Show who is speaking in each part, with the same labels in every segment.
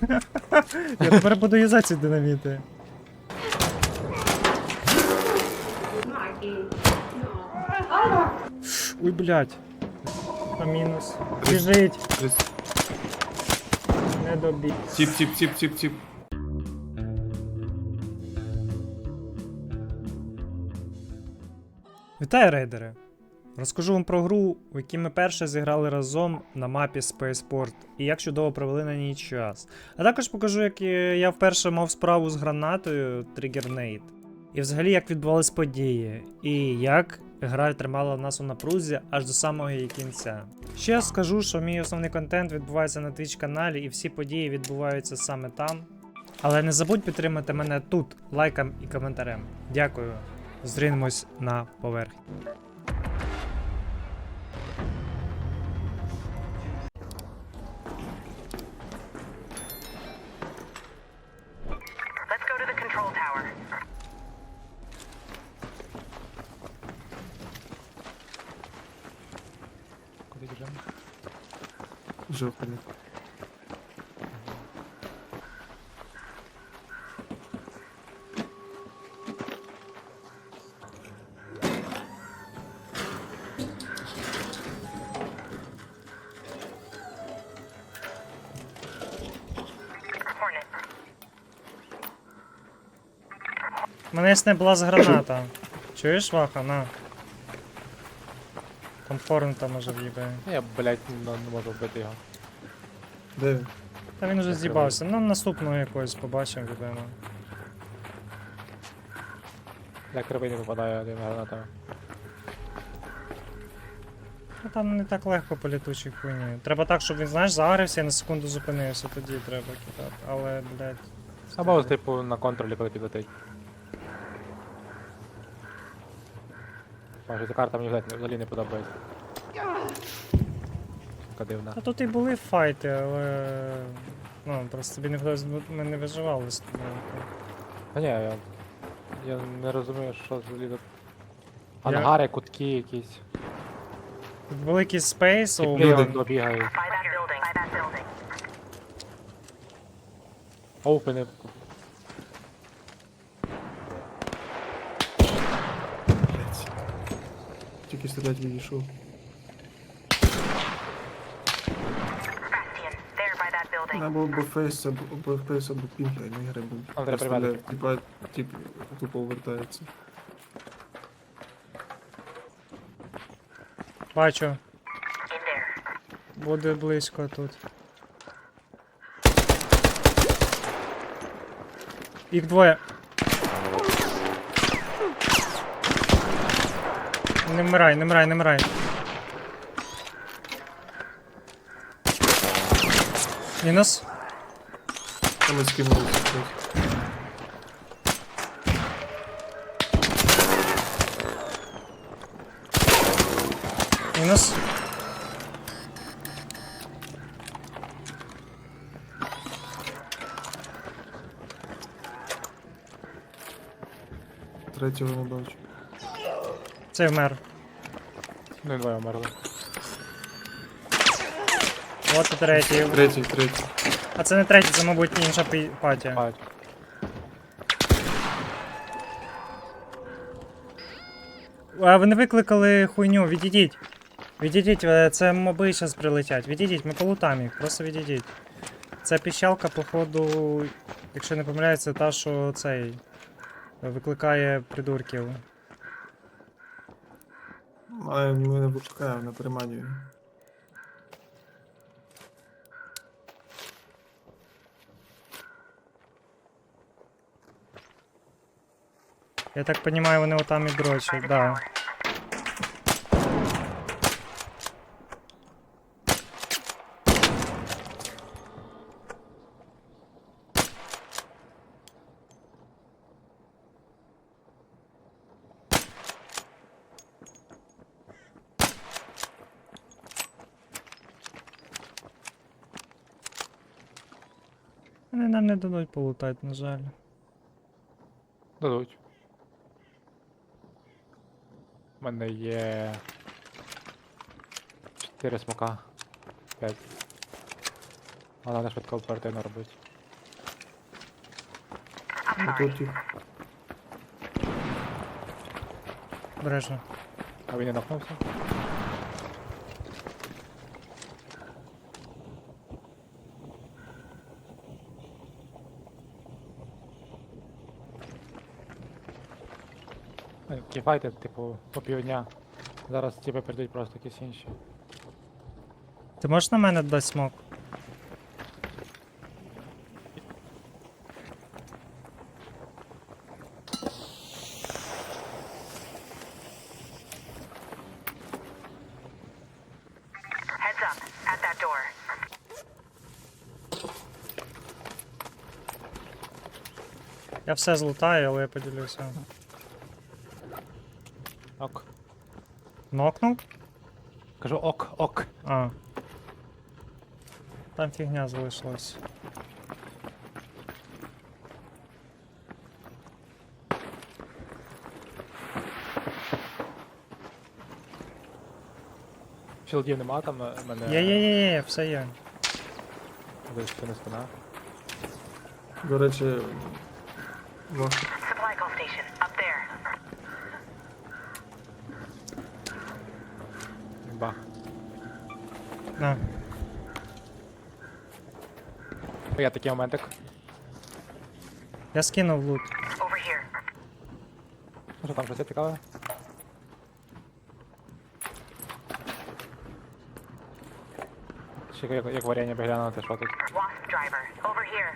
Speaker 1: Я тепер буду юзати ці динаміти. Ой, блядь. А мінус. Біжить. Не добіг.
Speaker 2: Тіп.
Speaker 1: Вітаю, рейдери! Розкажу вам про гру, у якій ми перше зіграли разом на мапі Spaceport і як чудово провели на ній час. А також покажу, як я вперше мав справу з гранатою Trigger Nade. І взагалі як відбувались події, і як гра тримала нас у напрузі аж до самого її кінця. Ще скажу, що мій основний контент відбувається на Twitch каналі і всі події відбуваються саме там. Але не забудь підтримати мене тут лайком і коментарем. Дякую. Зустрінемось на поверхні.
Speaker 3: Let's go to the control tower.
Speaker 4: Куди біжимо?
Speaker 2: Жовтий.
Speaker 3: Hornet.
Speaker 1: У мене є блаз граната. Чуєш, Ваха? На. Там Хорнета може в'їбає.
Speaker 4: Я, блядь, не можу вбити його.
Speaker 2: Де він?
Speaker 1: Та він уже з'їбався. Ну наступного якогось побачимо, відомо.
Speaker 4: Я кривий не попадаю один гранатами.
Speaker 1: Ну там не так легко по літучій хуйні. Треба так, щоб він, знаєш, загрився і на секунду зупинився, тоді треба кидати. Але, блядь.
Speaker 4: Або, типу, на контролі, коли підлетить. Може, ця карта мені взагалі не подобається. Така дивна.
Speaker 1: А тут і були файти, але. Ну, просто тобі не вдалося, ми не виживали з тобою.
Speaker 4: Та ні, я не розумію, що взагалі тут. Ангари, кутки якісь.
Speaker 1: Тут великий спейс, у
Speaker 4: Тіпи
Speaker 2: Люди.
Speaker 4: он бігають.
Speaker 3: By that building. By that building.
Speaker 4: Оупени.
Speaker 2: Блять. Тільки стрілять відійшов.
Speaker 3: Bastion. There by that building.
Speaker 2: Або фейс, або фейс, або пінг, а не гри, бо
Speaker 4: Там треба
Speaker 2: стріляє.
Speaker 4: приймати.
Speaker 2: Тіп тупо повертається.
Speaker 1: Бачу,
Speaker 3: In there.
Speaker 1: буде близько тут. Їх двоє. Не вмирай, не вмирай, не вмирай. Мінус.
Speaker 2: Там і скинулися.
Speaker 1: Мінус.
Speaker 2: Третього не бачу.
Speaker 1: Цей вмер.
Speaker 4: Ну і двоє вмерли.
Speaker 1: От і третій.
Speaker 2: Третій.
Speaker 1: А це не третій, це, мабуть, інша патія.
Speaker 4: Бать.
Speaker 1: А ви не викликали хуйню, відійдіть. Відійдіть, це моби зараз прилетять. Відійдіть, ми полутаємо їх, просто відійдіть. Ця піщалка, походу, якщо не помиляється, та, що цей викликає придурків.
Speaker 2: Але ми не викликаємо, на приманює.
Speaker 1: Я так розумію, вони отам і дрочать, да. Вони нам не дадуть полутати, на жаль.
Speaker 4: Дадуть. У мене є 4 смока. 5. Вона не швидко оперативно робить.
Speaker 2: Отут тип.
Speaker 1: Бережно.
Speaker 4: А він не нахнувся? Кіпайте, типу, по півдня. Зараз типу прийдуть просто якісь інші.
Speaker 1: Ти можеш на мене дати смок?
Speaker 3: Heads up, at that door.
Speaker 1: Я все злутаю, але я поділюся.
Speaker 4: Ок.
Speaker 1: Нокнув?
Speaker 4: Кажу ок, ок.
Speaker 1: А. Там фігня залишилась.
Speaker 4: Філдів нема там мене.
Speaker 1: Є, все є.
Speaker 4: Десь це не спина.
Speaker 2: До речі, важко.
Speaker 3: Supply call station, up there.
Speaker 4: Бах.
Speaker 1: На.
Speaker 4: Я такий моментик.
Speaker 1: Я скинув лут.
Speaker 3: Over here.
Speaker 4: Ну що там щось є цікаве? Ще як варення поглянути, що тут.
Speaker 3: Wasp driver, over here.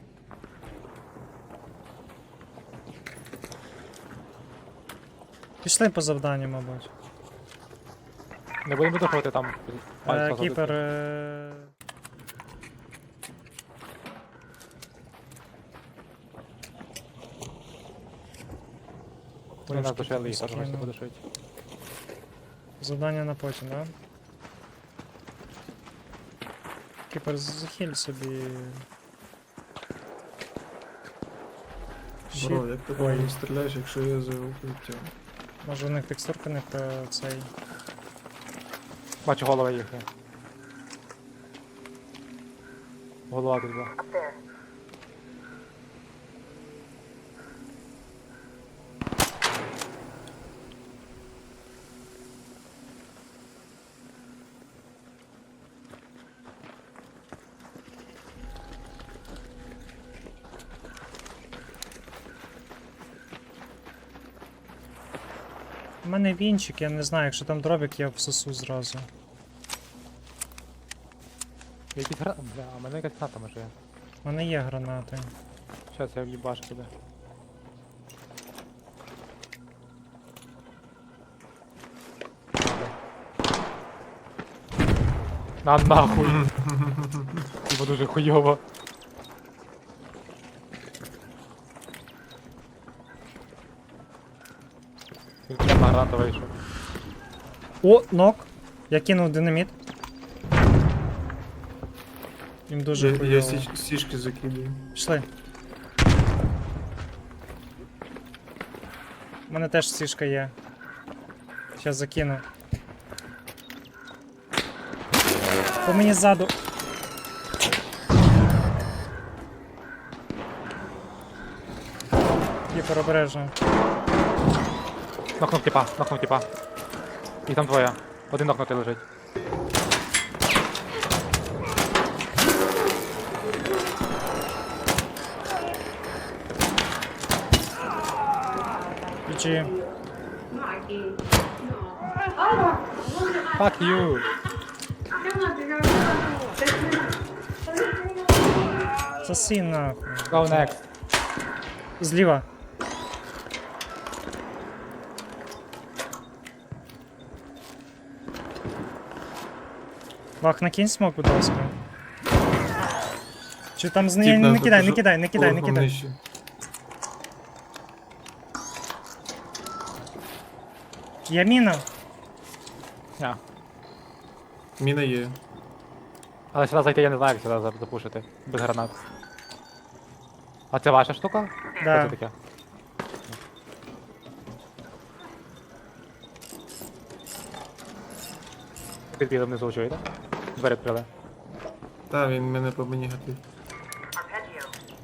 Speaker 1: Пішли по завданню, мабуть.
Speaker 4: Не будемо видохувати там. пальцем
Speaker 1: Кіпер.
Speaker 4: задути. Вони нас
Speaker 1: трошки
Speaker 4: душили, їх теж
Speaker 1: скину.
Speaker 4: буде швидше.
Speaker 1: Завдання на потім, да? Кіпер, захиль собі.
Speaker 2: Бро,
Speaker 1: Щит.
Speaker 2: як ти
Speaker 1: Ой.
Speaker 2: не стріляєш, якщо я за укриттям?
Speaker 1: Може у них текстурка не про цей.
Speaker 4: Бачу голови їхні. Голова тут була.
Speaker 3: Up there.
Speaker 1: У мене вінчик, я не знаю, якщо там дробік, я всосу зразу.
Speaker 4: Якісь гранати. Бля, а в мене якась граната може є.
Speaker 1: У мене є гранати.
Speaker 4: Щас я в'їбашу туди. На нахуй! Бо дуже хуйово. Він прямо на гранату вийшов.
Speaker 1: О, нок! Я кинув динаміт. Їм дуже
Speaker 2: Я
Speaker 1: хуйово.
Speaker 2: сішки закидаю.
Speaker 1: Пішли. У мене теж сішка є. Щас закину. По мені ззаду. Кіпер, обережно.
Speaker 4: Нокнув тіпа, нокнув тіпа. І там двоє. Один нокнутий лежить.
Speaker 1: Ключі.
Speaker 4: Fuck you!
Speaker 1: Соси нахуй.
Speaker 4: Go next.
Speaker 1: Зліва. Вах, накинь смок, будь ласка. Чи там з неї
Speaker 2: Тіп
Speaker 1: не
Speaker 2: нас
Speaker 1: кидай, не
Speaker 2: дуже
Speaker 1: кидай, не кидай, не
Speaker 2: поверхом
Speaker 1: кидай.
Speaker 2: нижче.
Speaker 1: Є міна.
Speaker 4: Ня.
Speaker 2: Міна є.
Speaker 4: Але сюди зайти я не знаю, як сюди запушити. Без гранат. А це ваша штука? Що
Speaker 1: Да.
Speaker 4: це таке? Підбіли внизу, чуєте? Двері відкрили.
Speaker 2: Та, він мене по мені гатив.
Speaker 3: Arpeggio.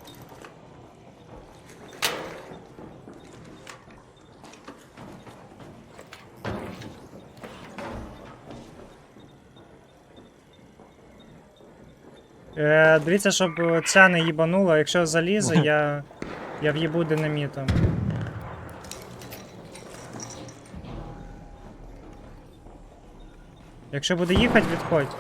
Speaker 1: Дивіться, щоб ця не їбанула, якщо залізе, я в'їбу динамітом. Якщо буде їхати, відходь.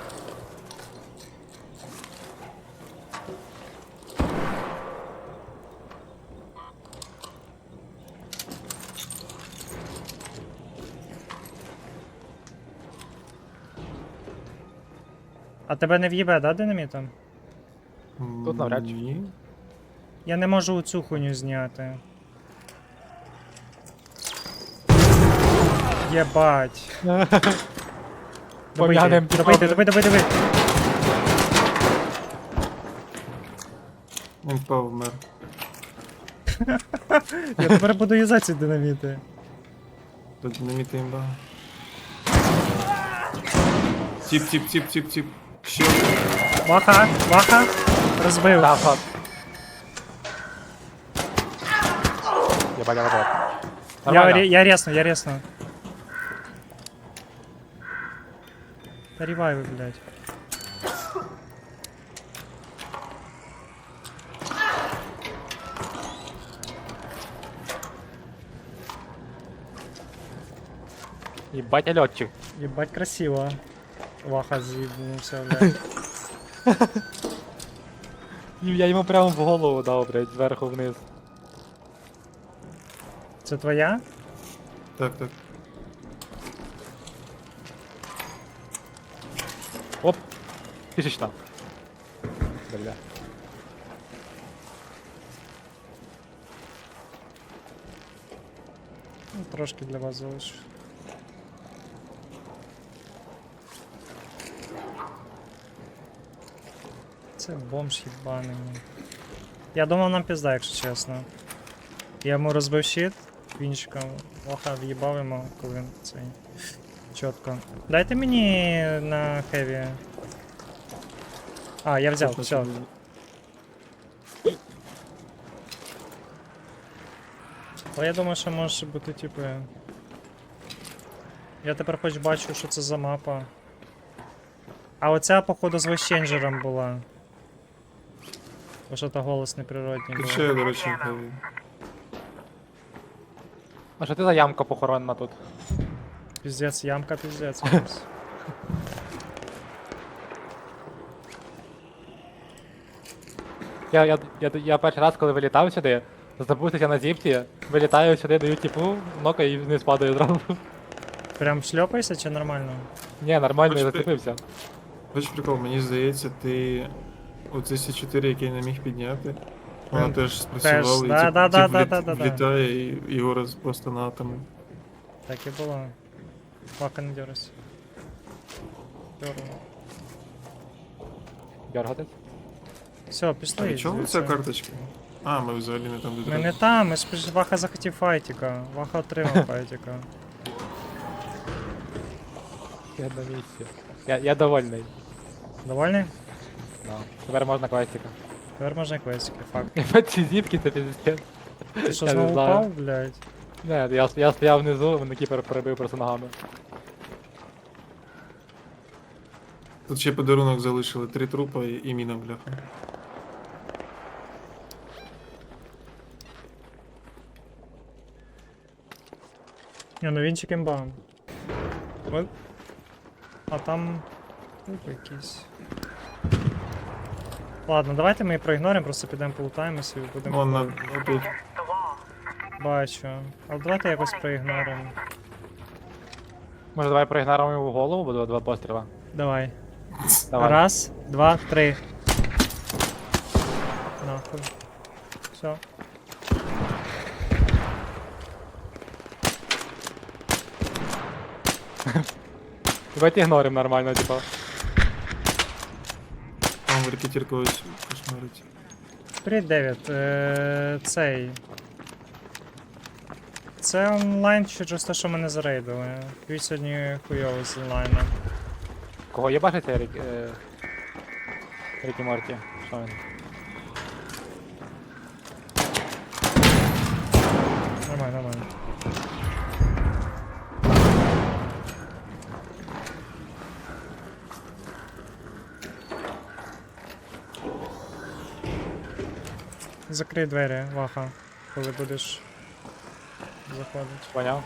Speaker 1: А тебе не в'їбе, да, динамітом?
Speaker 4: Тут навряд чи.
Speaker 2: Ні.
Speaker 1: Я не можу цю хуйню зняти. Єбать.
Speaker 4: Пом'янем
Speaker 1: Добийте, добийте.
Speaker 2: Він впав, вмер.
Speaker 1: Я тепер буду юзати ці динаміти.
Speaker 2: Тут динаміти імба. Тіп. Ще.
Speaker 1: Ваха, розбив.
Speaker 4: Та, фак. Єбать, єбать. Нормально.
Speaker 1: Я ресну. Та ревайви, блядь.
Speaker 4: Єбать, льотчик.
Speaker 1: Ебать красиво. Ваха з'їбнувся, блядь.
Speaker 4: Я йому прямо в голову дав, блядь, зверху вниз.
Speaker 1: Це твоя?
Speaker 2: Так.
Speaker 4: Оп. Тисячна. Бля.
Speaker 1: Ну, трошки для вас залишу. Це бомж їбаний. Я думав нам пізда, якщо чесно. Я йому розбив щит вінчиком, Ваха в'їбав йому, коли він цей. Чітко. Дайте мені на хеві. А, я взяв, все. Але я думаю, що може бути, типу. Я тепер хоч бачу, що це за мапа. А оця, походу, з вещенджером була. Бо що то голос неприродній
Speaker 2: Тут
Speaker 1: був.
Speaker 2: ще, до речі, хеві.
Speaker 4: А що ти за ямка похоронена тут?
Speaker 1: Піздець, ямка, піздець.
Speaker 4: Я перший раз, коли вилітав сюди, забувся на зіпті, вилітаю сюди, даю типу, нока і вниз падаю зразу.
Speaker 1: Прям шльопаєшся чи нормально?
Speaker 4: Ні, нормально, я
Speaker 2: Хоч ти-
Speaker 4: зацепився.
Speaker 2: Бачиш прикол, мені здається, ти оце С4, який не міг підняти, вона теж спрацювала і
Speaker 1: да.
Speaker 2: влітає і його просто на атоми.
Speaker 1: Так і було. Вака не дерась. Дерну.
Speaker 4: Дергатись.
Speaker 1: Все,
Speaker 2: А
Speaker 1: пішли.
Speaker 2: від чого
Speaker 1: звідси.
Speaker 2: ця карточка? А, ми взагалі не там, де
Speaker 1: Ми не там, ми ж Ваха захотів файтіка. Ваха отримав файтіка.
Speaker 4: Я на місці. Я довольний.
Speaker 1: Довольний?
Speaker 4: Да. Тепер можна квестика.
Speaker 1: Тепер можна квестики, факт.
Speaker 4: Ці зіпки це піздець.
Speaker 1: Ти що
Speaker 4: Я не
Speaker 1: знову
Speaker 4: знаю.
Speaker 1: упав, блядь?
Speaker 4: Не, я стояв внизу, мене кіпер перебив просто ногами.
Speaker 2: Тут ще подарунок залишили, 3 трупа і міна, бляха.
Speaker 1: Ні, ну вінчик імба. От. А там... Трупи якісь. Ладно, давайте ми проігноримо, просто підемо полутаємося і будемо...
Speaker 2: Вон на отут.
Speaker 3: The wall.
Speaker 1: Бачу. Але давайте якось проігноримо.
Speaker 4: Може давай проігноримо його в голову, буде 2 постріла.
Speaker 1: Давай.
Speaker 4: Давай.
Speaker 1: Раз, два, три. Нахуй. Все.
Speaker 4: Давайте ігноримо нормально, типа.
Speaker 2: Там репетір когось кошмарить.
Speaker 1: Привіт, Девід. Цей. Це онлайн через те, що мене зарейдили. Твій сьогодні хуйовий з онлайном.
Speaker 4: Кого є бачите, Рікі Морті. Що він?
Speaker 1: Нормально, нормально. Закрий двері, Ваха, коли будеш заходити.
Speaker 4: Поняв?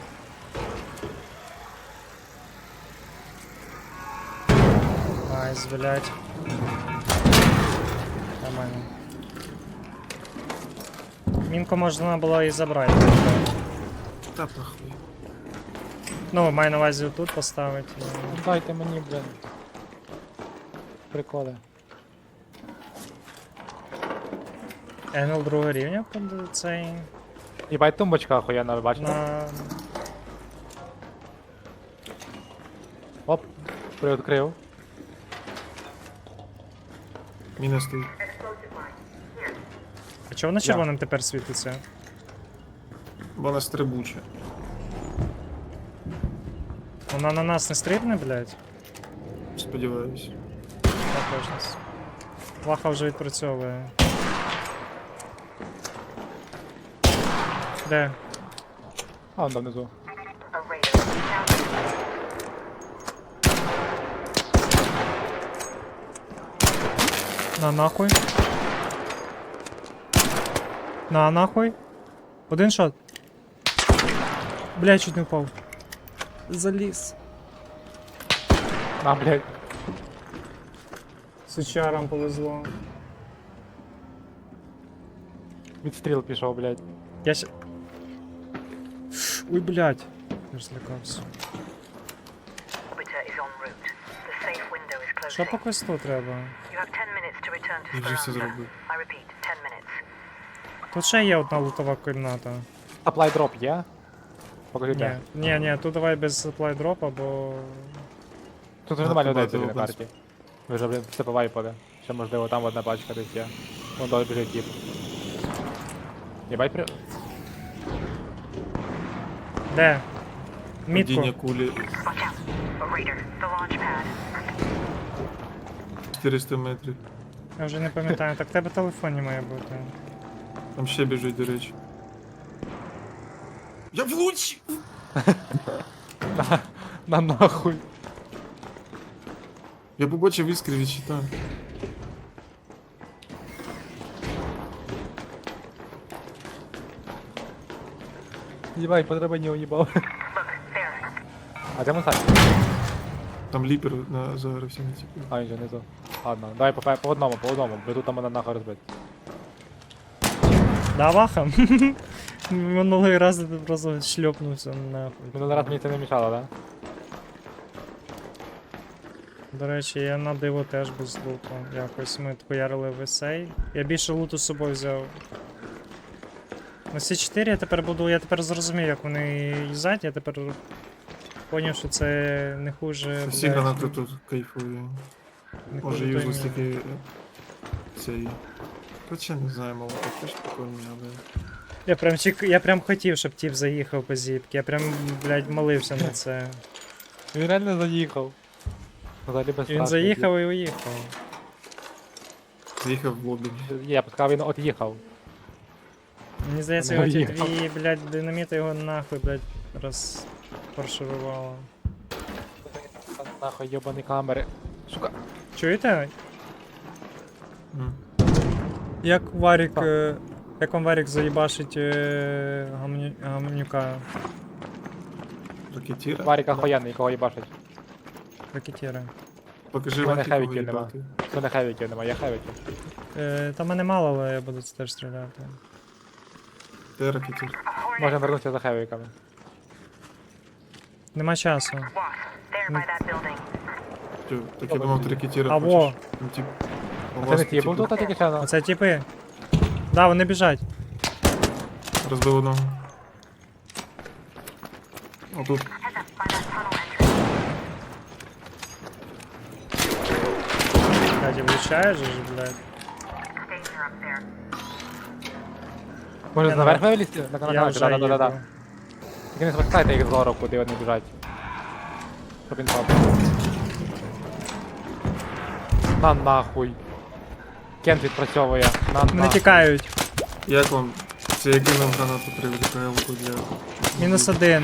Speaker 1: Найс, блядь. Нормально. Мінку можна було і забрати.
Speaker 2: Та похуй.
Speaker 1: Ну, маю на увазі тут поставити.
Speaker 4: Ну, дайте мені, блін. Приколи.
Speaker 1: Енгл другого рівня під цей.
Speaker 4: Їбать тумбочка охуєнна, ви бачите?
Speaker 1: На...
Speaker 4: Оп, приоткрив.
Speaker 2: Міна стоїть.
Speaker 3: Explosive mine. Here.
Speaker 1: А чого воно червоним тепер світиться?
Speaker 2: Вона стрибуча.
Speaker 1: Вона на нас не стрибне, блядь?
Speaker 2: Сподіваюсь.
Speaker 1: Так точно. Ваха вже відпрацьовує. Де?
Speaker 4: А, он там внизу.
Speaker 3: A raider. Now
Speaker 1: На нахуй. На нахуй. Один шот. Блядь, чуть не впав. Заліз.
Speaker 4: На, блядь.
Speaker 1: Сучарам повезло.
Speaker 4: Відстріл пішов, блядь.
Speaker 1: Я ща... Ой, блядь. Я ж злякався.
Speaker 3: orbiter is en route. The safe window is
Speaker 1: Що
Speaker 3: closing.
Speaker 1: по квесту треба?
Speaker 3: You have 10 minutes to return to
Speaker 2: Я вже все
Speaker 3: Speranza.
Speaker 2: зробив.
Speaker 3: I repeat, 10 minutes.
Speaker 1: Тут ще є одна лутова кімната.
Speaker 4: Supply drop є? Покажи
Speaker 1: Ні,
Speaker 4: де.
Speaker 1: ні, тут давай без supply дропа, бо...
Speaker 4: Тут вже
Speaker 2: А,
Speaker 4: нормально
Speaker 2: побачив,
Speaker 4: людей на
Speaker 2: побачив.
Speaker 4: карті. Ви вже, блін, все повайпали. Ще можливо там одна пачка десь є. Вон далі біжить тіп. Єбать при...
Speaker 1: Де? Мітку.
Speaker 2: Падіння кулі
Speaker 3: Watch out. A raider. The launch pad.
Speaker 2: 400 метрів.
Speaker 1: Я вже не пам'ятаю. Так в тебе в телефоні має бути.
Speaker 2: Там ще біжить, до речі. Я влучив!
Speaker 4: На нахуй.
Speaker 2: Я побачив іскри від щита.
Speaker 4: Єбать, по драбині уїбав.
Speaker 3: Look, there.
Speaker 4: А де Монсаль?
Speaker 2: Там ліпер на загорився на типу.
Speaker 4: А, він же внизу. Ладно, давай по одному, бо тут там мене нахуй розбить.
Speaker 1: Да, Ваха? Минулий раз ти просто шльопнувся нахуй.
Speaker 4: Минулий раз мені це не мішало, да?
Speaker 1: До речі, я на диво теж без луту. Якось ми хуярили в есей. Я більше луту з собою взяв. На С4 я тепер зрозумів, як вони їздять, я тепер поняв, що це не хуже.
Speaker 2: Всі
Speaker 1: блядь,
Speaker 2: гранати тут кайфові.
Speaker 1: не
Speaker 2: Може
Speaker 1: хуже
Speaker 2: юзлес
Speaker 1: той
Speaker 2: такий цей. Хоча не знаю, мало так теж прикольно, але.
Speaker 1: Я прям хотів, щоб тіп заїхав по зіпки. Я прям, блядь, молився на це.
Speaker 4: Він реально заїхав. Взагалі без
Speaker 1: І він заїхав і уїхав.
Speaker 2: Заїхав в лобі.
Speaker 4: Я б сказав, він от їхав.
Speaker 1: Мені здається,
Speaker 4: Ну,
Speaker 1: його ті
Speaker 4: їхав.
Speaker 1: дві, блядь, динаміти його нахуй, блядь, розфарширувало.
Speaker 4: Нахуй йобані камери. Сука.
Speaker 1: Чуєте?
Speaker 2: М.
Speaker 1: Як Варік,
Speaker 4: Так.
Speaker 1: як вам Варік заїбашить гамнюка
Speaker 2: Ракетіра.
Speaker 4: Варік охуєнний, кого їбашить.
Speaker 1: ракетіра?
Speaker 2: Покажи
Speaker 4: У мене
Speaker 2: Ваті, кого
Speaker 4: хевіків нема.
Speaker 2: їбати.
Speaker 4: У мене хевіків нема, я хевіків.
Speaker 1: Та мене мало, але я буду це теж стріляти.
Speaker 2: Де ракетір?
Speaker 3: A hornet.
Speaker 4: Можемо вернутися за хевіками.
Speaker 1: Нема часу.
Speaker 3: Wasp. There by that building.
Speaker 2: Тю, так я думав, ти ракетіра
Speaker 1: Або.
Speaker 2: хочеш. Ну, тип.
Speaker 4: А це не ті був тут, а тільки ще на...
Speaker 1: Оце типи. Да, вони біжать.
Speaker 2: Розбив одного. Отут.
Speaker 3: Heads up by that tunnel entrance.
Speaker 1: Блядь, і влучаєш же, блядь.
Speaker 3: Danger up there.
Speaker 4: Може
Speaker 1: Я
Speaker 4: наверх
Speaker 1: на-
Speaker 4: вилізти? На
Speaker 1: Я
Speaker 4: канал,
Speaker 1: вже
Speaker 4: да-да-да.
Speaker 1: їду.
Speaker 4: Тільки не спускайте їх згору, куди вони біжать. Щоб він пав. На нахуй. Кент відпрацьовує.
Speaker 1: Вони тікають.
Speaker 2: Як вам? Це я кинув гранату при ВКЛку для...
Speaker 1: -1.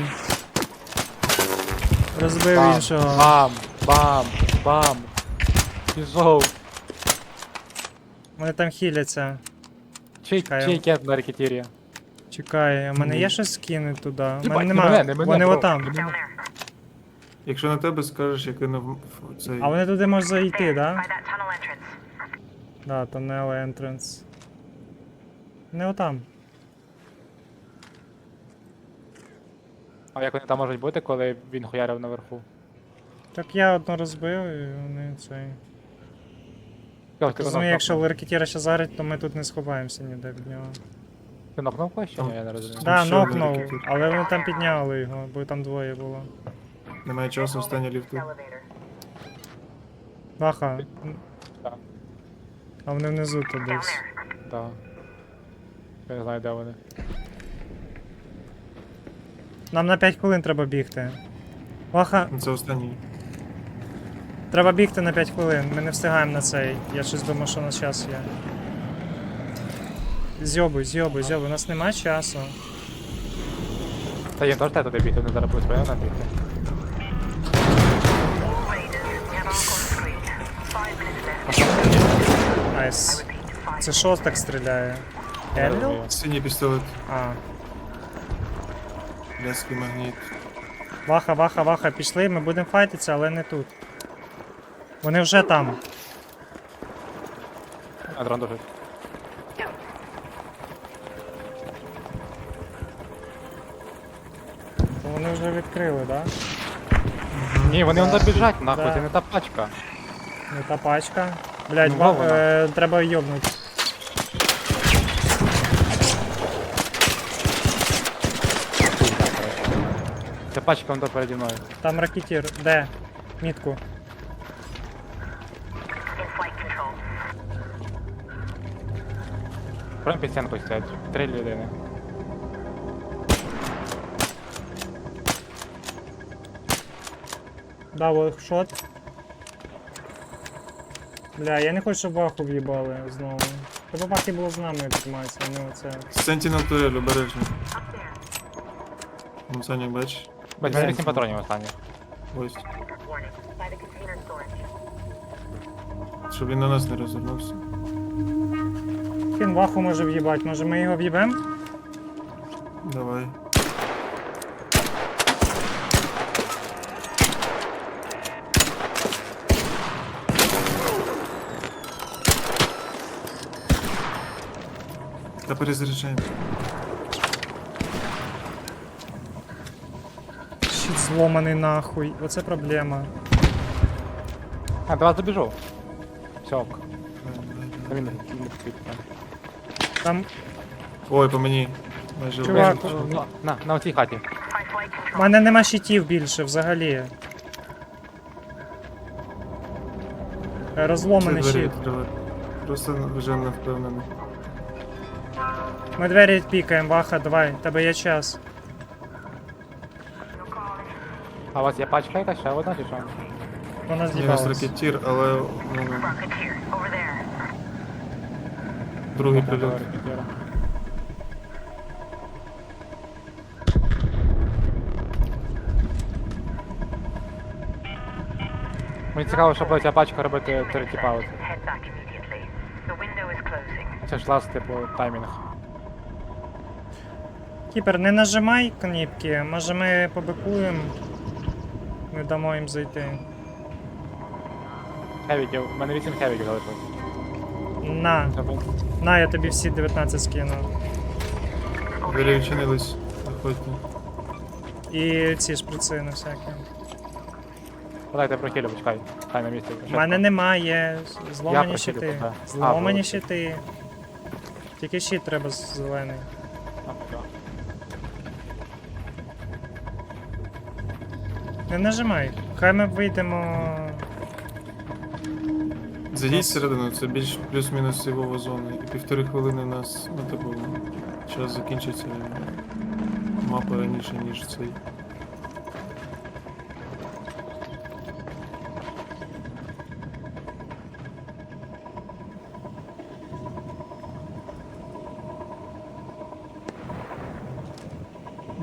Speaker 1: Розбив
Speaker 4: Бам,
Speaker 1: іншого.
Speaker 4: бам, бам, бам. Пішов.
Speaker 1: Вони там хіляться. Чекаю.
Speaker 4: Чий кент на рекетірі?
Speaker 1: Чекай, у мене є щось скинути туди? У
Speaker 4: Єбать,
Speaker 1: мене
Speaker 4: не
Speaker 1: нема.
Speaker 4: мене, не мене,
Speaker 1: Вони
Speaker 4: бро.
Speaker 1: отам.
Speaker 3: Down there.
Speaker 2: Якщо на тебе скажеш, я кинув цей...
Speaker 1: А вони туди можуть зайти, да?
Speaker 3: By that tunnel entrance.
Speaker 1: Да, тунел entrance. Не отам.
Speaker 4: А як вони там можуть бути, коли він хуярив наверху?
Speaker 1: Так я одну розбив і вони цей.
Speaker 4: Ти
Speaker 1: Розумію, якщо Леркетіра ще зарить, то ми тут не сховаємося ніде від нього.
Speaker 4: Ти нокнув когось чи ні? Я не розумію.
Speaker 1: Да,
Speaker 2: ще один
Speaker 1: нокнув,
Speaker 2: Леркетір.
Speaker 1: але вони там підняли його, бо там двоє було.
Speaker 2: Немає часу, останні ліфти.
Speaker 3: Elevator.
Speaker 1: Баха.
Speaker 4: Так.
Speaker 1: А вони внизу тут
Speaker 3: Down
Speaker 1: десь.
Speaker 3: there.
Speaker 4: Так. Я не знаю, де вони.
Speaker 1: Нам на 5 хвилин треба бігти. Баха,
Speaker 2: Це останній.
Speaker 1: треба бігти на 5 хвилин. Ми не встигаємо на цей. Я щось думав, що у нас час є. Зйобуй, зйобуй, зйобуй. У нас немає часу.
Speaker 4: Та їм теж туди бігти, вони зараз будуть спрямовано бігти.
Speaker 3: All raiders, we have Ark on screen. 5 minutes left.
Speaker 1: Найс.
Speaker 3: Repeat, 5
Speaker 1: Це що ж так стріляє?
Speaker 4: Я
Speaker 1: Елліл?
Speaker 4: розумію.
Speaker 2: Синій пістолет.
Speaker 1: А.
Speaker 2: Ляський магніт.
Speaker 1: Ваха, ваха, ваха, пішли, ми будемо файтитися, але не тут. Вони вже там.
Speaker 4: А дрон дужить.
Speaker 1: То вони вже відкрили, да?
Speaker 4: Ні, вони вон біжать, нахуй,
Speaker 1: Да.
Speaker 4: це не та пачка.
Speaker 1: Не та пачка. Блять,
Speaker 4: Ну, вона.
Speaker 1: треба йобнути.
Speaker 4: Це пачка вон тут переді мною.
Speaker 1: Там ракетір. Де? Мітку.
Speaker 3: in flight control.
Speaker 4: Прям під стінкою стоять. 3 людини.
Speaker 1: Дав шот. Бля, я не хочу, щоб ваху в'їбали знову. Треба вахи було з нами триматися, а не оце.
Speaker 2: Sentinel турель, обережно.
Speaker 3: Up there.
Speaker 2: Вон Саня, бачиш?
Speaker 4: Бать,
Speaker 1: Де?
Speaker 4: 8 патронів останніх.
Speaker 2: Ось.
Speaker 3: Warning. By the container storage.
Speaker 2: Щоб він на нас не розвернувся.
Speaker 1: Кін ваху може в'їбати, може ми його в'їбем?
Speaker 2: Давай. Та перезаряджаємо.
Speaker 1: Щит зломаний нахуй. Оце проблема.
Speaker 4: А, до вас добіжу. Все, ок. Він не
Speaker 1: Там
Speaker 2: Ой, по мені. Майже
Speaker 1: Чувак,
Speaker 2: вбив.
Speaker 4: На оцій хаті.
Speaker 3: By flight
Speaker 1: в
Speaker 3: control.
Speaker 1: мене нема щитів більше взагалі. Розломаний
Speaker 2: Це двері
Speaker 1: щит.
Speaker 2: відкривати. Просто вже не впевнений.
Speaker 1: Ми двері пікаємо, ваха, давай, в тебе є час.
Speaker 4: А у вас є пачка якась ще одна чи що?
Speaker 1: Вона
Speaker 2: У нас
Speaker 1: з'їбалась.
Speaker 2: ракетір, але ну,
Speaker 3: Rocketeer. Over there.
Speaker 2: другий
Speaker 4: Там
Speaker 2: прильот.
Speaker 4: ракетира. Мені цікаво, що буде ця пачка робити третій паузу.
Speaker 3: Head back immediately. The window is closing.
Speaker 4: Це ж ласт, типу, таймінг.
Speaker 1: Кіпер, не нажимай кнопки, може ми побикуємо. Не дамо їм зайти.
Speaker 4: Хевіків, у мене 8 хевіків залишилось.
Speaker 1: На,
Speaker 4: Тому
Speaker 1: на, я тобі всі 19 скину.
Speaker 2: Двері відчинились. Заходьте.
Speaker 1: І ці шприци на всякі.
Speaker 4: подайте прохилю, почекай. Хай на місці.
Speaker 1: У мене немає. Зломані
Speaker 4: просив,
Speaker 1: щити.
Speaker 4: так.
Speaker 1: Зломані
Speaker 4: А,
Speaker 1: щити. Тільки щит треба зелений. Не нажимай. Хай ми вийдемо.
Speaker 2: Зайдіть всередину, це більш плюс-мінус сівова зона. І 1,5 хвилини у нас, ну типу, час закінчиться мапа раніше, ніж цей.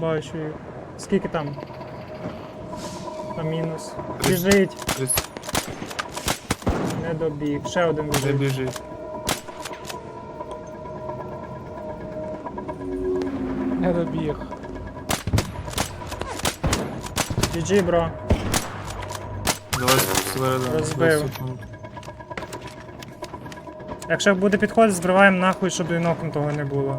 Speaker 1: бачу їх. Скільки там? Там мінус. Біжить,
Speaker 2: 30
Speaker 1: не добіг. Ще один
Speaker 2: не
Speaker 1: біжить.
Speaker 2: біжить.
Speaker 4: Не добіг.
Speaker 1: GG, бро.
Speaker 2: Давай всередину.
Speaker 1: Розбив.
Speaker 2: 20 секунд.
Speaker 1: Якщо буде підходити, збриваємо нахуй, щоб і нокнутого не було.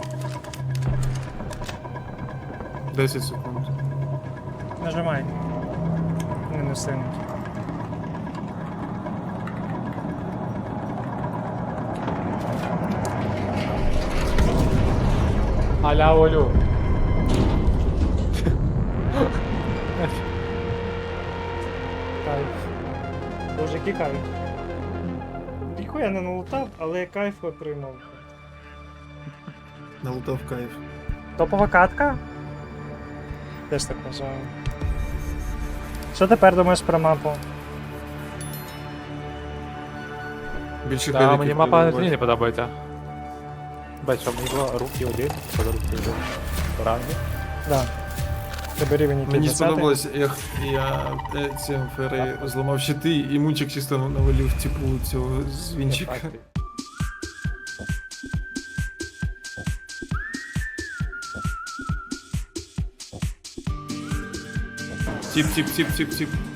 Speaker 2: 10 секунд.
Speaker 1: Нажимай. Не сильно.
Speaker 4: Аля Олю.
Speaker 1: Кайф. Боже, який кайф. Ніхуя не налутав, але я кайф отримав.
Speaker 2: Налутав кайф.
Speaker 1: Топова катка? Теж так вважаю. Що тепер думаєш про мапу?
Speaker 2: Більше
Speaker 4: Да,
Speaker 2: хеліків
Speaker 4: мені мапа
Speaker 2: прибувати.
Speaker 4: не подобається. Бач, що мені було руки один, коли руки один. Ранги.
Speaker 1: Да. Тебе рівень який
Speaker 2: Мені
Speaker 1: 20-й?
Speaker 2: сподобалось, як я цим фери зламав щити, і мунчик чисто навалив типу цього звінчика. Тіп.